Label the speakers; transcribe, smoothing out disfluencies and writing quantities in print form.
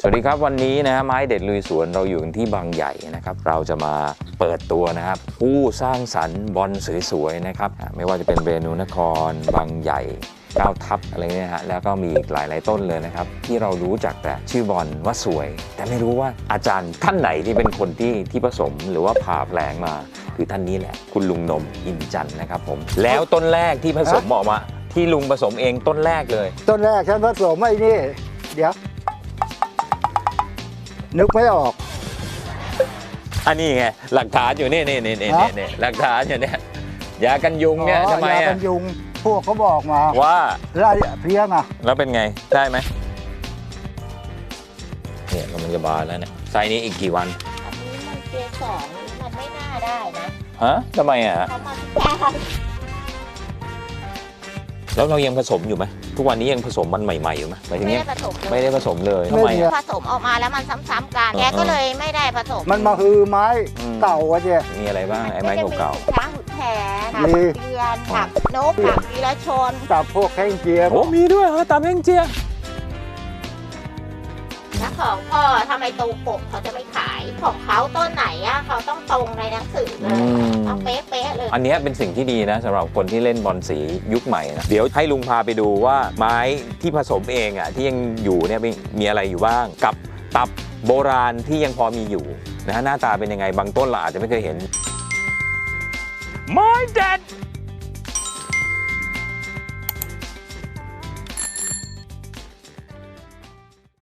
Speaker 1: วัสดีครับวันนี้นะฮะไม้เด็ดลุยสวนเราอยู่กันที่บางใหญ่นะครับเราจะมาเปิดตัวนะครับผู้สร้างสรรค์บอลสวยๆนะครับไม่ว่าจะเป็นเรนูนครบางใหญ่9 ทับอะไรเนี่ยฮะแล้วก็มีอีกหลายต้นเลยนะครับที่เรารู้จักแต่ชื่อบอลว่าสวย แต่ไม่รู้ว่าอาจารย์ท่านไหนที่เป็นคนที่ผสมหรือว่าผ่าแปลงมาคือท่านนี้แหละคุณลุงนมอินจันทร์นะครับผมแล้วต้นแรกที่ผสมออกมาที่ลุงผสมเองต้นแรกเลย
Speaker 2: ต้นแรกฉันผสมไอ้นี่เดี๋ยวนึกไม่ออก
Speaker 1: อันนี้ไงหลักฐานอยู่นี่หลักฐานอยู่เนี่ยยากันยุงเนี่ยทำไมอ่ะ
Speaker 2: ยากันยุงพวกเขาบอกมา
Speaker 1: ว่า
Speaker 2: ไล่เพี้ยงอ่ะ
Speaker 1: แล้วเป็นไงได้ไหมเนี่ยมันจะบานแล้วเนี่ยไซส์นี้อีกกี่วัน
Speaker 3: อันนี้มันเกสรมันไม่น่าได้นะ
Speaker 1: ฮะทำไมอ่ะ
Speaker 3: เพราะมันแก่
Speaker 1: แล้วเรายังผสมอยู่ไหมทุกวันนี้ยังผสมมันใหม่ๆอยู่ไหมหมายถึง
Speaker 3: ไม่
Speaker 1: เนี้ย
Speaker 3: ได้ผสมเลย
Speaker 1: ไม่ได้ผสมเลยทำไมอ่ะ
Speaker 3: ผสมออกมาแล้วมันซ้ำๆกันแกก็เลยไม่ได้ผสม
Speaker 2: มันมาฮือไม้เก่าอะเนี่ย
Speaker 1: มีอะไรบ้างไอ้ไม้เก่า
Speaker 3: ช้างหุดแผนถักเดือนถักนกถักวีรชน
Speaker 2: ตับพวกแข้งเจีย
Speaker 1: โอ้มีด้วยเหรอตามแห้งเจีย
Speaker 3: แล้วของพ่อทำไมตรงปกเขาจะไม่ขายของเขาต้นไหนอะเขาต้องตรงในหนังสือเลยต้องเป๊ะๆเลย
Speaker 1: อันนี้เป็นสิ่งที่ดีนะสำหรับคนที่เล่นบอลสียุคใหม่นะเดี๋ยวให้ลุงพาไปดูว่าไม้ที่ผสมเองอ่ะที่ยังอยู่เนี่ยมีอะไรอยู่บ้างกับตับโบราณที่ยังพอมีอยู่นะฮะหน้าตาเป็นยังไงบางต้นเราอาจจะไม่เคยเห็นไม้เด็ด